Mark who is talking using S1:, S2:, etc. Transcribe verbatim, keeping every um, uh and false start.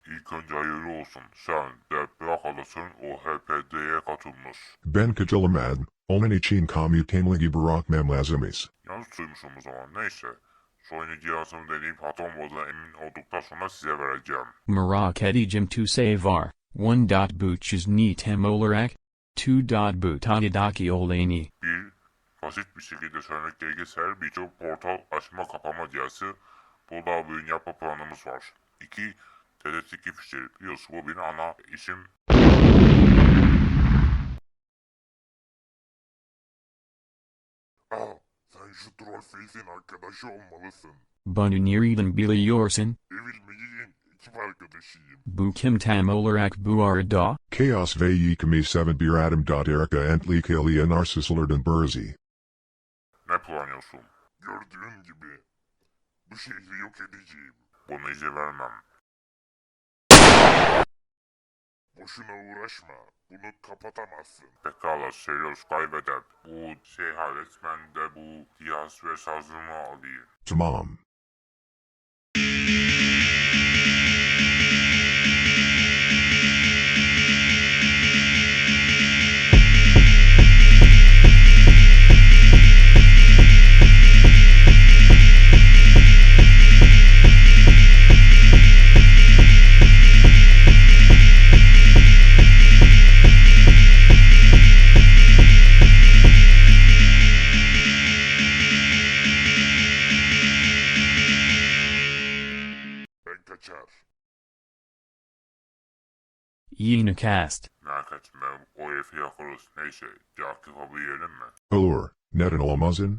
S1: İlk önce hayırlı olsun. Sen de bırakalısın o H P D'ye katılmış.
S2: Ben katılamadım. Onun için komutanlığı bırakmam lazımız.
S1: Yanlış duymuşum o zaman. Neyse. Şu oyunu cihazımı deneyip hata olmadığına emin olduktan sonra size vereceğim.
S3: Merak edeceğim to say var. one. Bu çizni tam olarak. two. Bu tadidaki olayını.
S1: Bir, basit bir şekilde söylemek gerekirse her birçok portal açma kapama cihazı. Burada bir yapma planımız var. İki, T D iki fişleri. Biliyorsun bu benim ana işim. Aa, sen şu Trollface'in arkadaşı olmalısın.
S3: Bunu nereden biliyorsun?
S1: Evil Magic'in ekip arkadaşıyım.
S3: Bu kim tam olarak bu arada?
S2: Chaos ve yıkımı seven bir adam. Erika entli kiliye narsislerden berzi.
S1: Ne planlıyorsun? Gördüğün gibi bu şehri yok edeceğim. Buna izin vermem. Boşuna uğraşma. Bunu kapatamazsın. Pekala Serios kaybeder. Bu şey halet ben de bu cihaz ve sazımı alayım.
S2: Tamam.
S1: Ben kaçar.
S3: Yine cast.
S1: Merak etme o herifi yakarız. Neyse, Cakif abi yiyelim mi?
S2: Olur. Neden olamazsın?